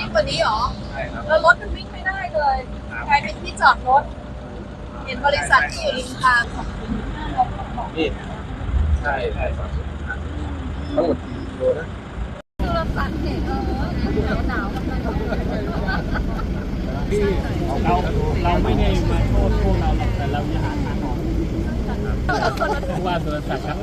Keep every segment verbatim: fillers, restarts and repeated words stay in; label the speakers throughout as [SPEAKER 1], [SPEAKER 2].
[SPEAKER 1] กว่านี้หรอ
[SPEAKER 2] ใช่ครับ
[SPEAKER 1] แล้วรถมันวิ่งไม่ได้เลยกลายเป็นที่จอดรถเห็นบริษัทที่อยู่ริมทางของ
[SPEAKER 2] นี่ใช่ใช่ครับทั้งหมดกี่โลนะ
[SPEAKER 1] คือเราสั่นเด็กเออหนาวหนาวกันเลย
[SPEAKER 3] ที่เราเราไม่ได้มาโทษพวกเราหรอกแต่เราจะหาทางออกผู้ว่าสุรศักดิ์ครับ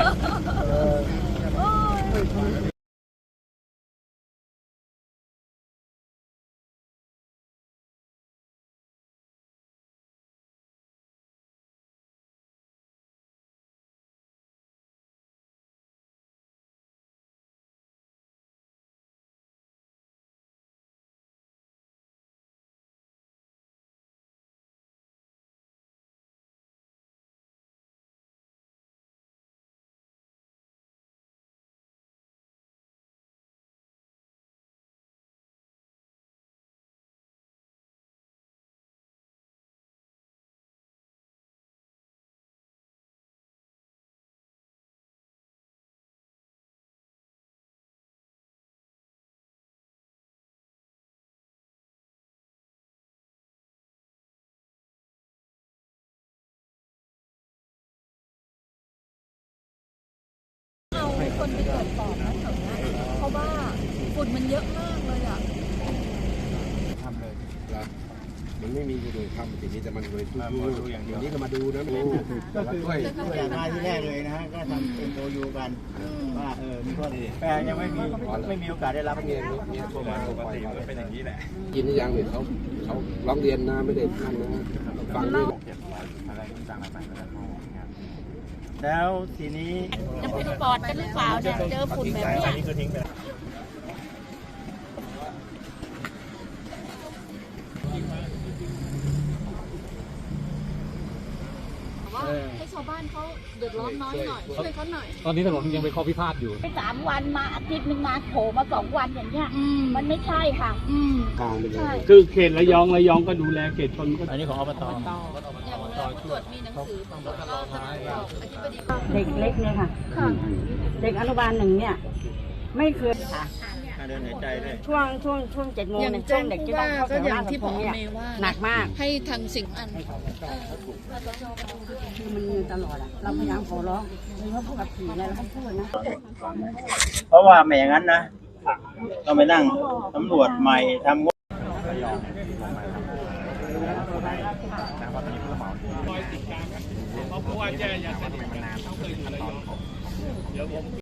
[SPEAKER 1] คนไปตรวจสอบนะแถวนี้เพราะว่าฝุ่นมันเยอะมากเลยอ่ะ
[SPEAKER 2] ทำเลยมันไม่มีเลยทำสิ่งนี้แต่มันเลยดูอย่างเดียวนี้ก็มาดูนะดู
[SPEAKER 3] ก็คือตั้งแต่มาที่แรกเลยนะฮะก็ทำเป็นโอยูกันว่าเออมีข้อดีแต่ยังไม่มีไม่มีโอกาสได้รับเงิน
[SPEAKER 2] เนี่ยโทรมาปกติมันเป็นอย่างนี้แหละยินยังเนี่ยเขาเขาร้องเรียนนะไม่ได้ท่านนะฟังด้วยอะไรต่างๆ
[SPEAKER 3] แล้วทีนี้
[SPEAKER 1] จะเป็นปอดกันหรือเปล่าเนี่ยเจอฝุ่นแบบนี้
[SPEAKER 3] นี่คือทิ้งไป
[SPEAKER 1] ว่าให้ชาวบ้านเขาเดือดร้อนน้อยหน่อยช่วยเขาหน่อย
[SPEAKER 4] ตอนนี้ถนนยังเป็นข้อพิพาทอยู่
[SPEAKER 5] ไปสามวันมาอาทิตย์หนึ่งมาโผล่มาสองวันอย่างเงี้ยมันไม่ใช่ค่ะ
[SPEAKER 1] อืม
[SPEAKER 5] ใช่
[SPEAKER 4] คือเขตระยองระยองก็ดูแลเขตชนก็
[SPEAKER 3] อันนี้ของอบต
[SPEAKER 1] อย่างเวลาตรวจมีหนังสือตำรวจก็บอกอธิบดี
[SPEAKER 5] เด็กเล็กเนี่ยค่ะเด็กอนุบาลหนึ่งเนี่ยไม่เคยค่ะ
[SPEAKER 3] เดินหายใจเลย
[SPEAKER 5] ช่วงช่วงช่วงเจ็ดโมงเนี่ยช่วงเด็กที่ต้องเข้าแถวหน้าที่ผมเนี่ยหนักมาก
[SPEAKER 1] ให้ทางสิ่งอัน
[SPEAKER 5] คือมันมีตลอดอ่ะเราพยายามขอร้องมีว่าผู้ขับขี่อะไรเราต้องพูดนะ
[SPEAKER 3] เพราะว่าไม่อย่างนั้นนะเราไปนั่งตำรวจใหม่ทำ
[SPEAKER 4] เพราะว่าแย่อยากจะเห็นกันเขาเคยอยู่ระยองเดี๋ยวผม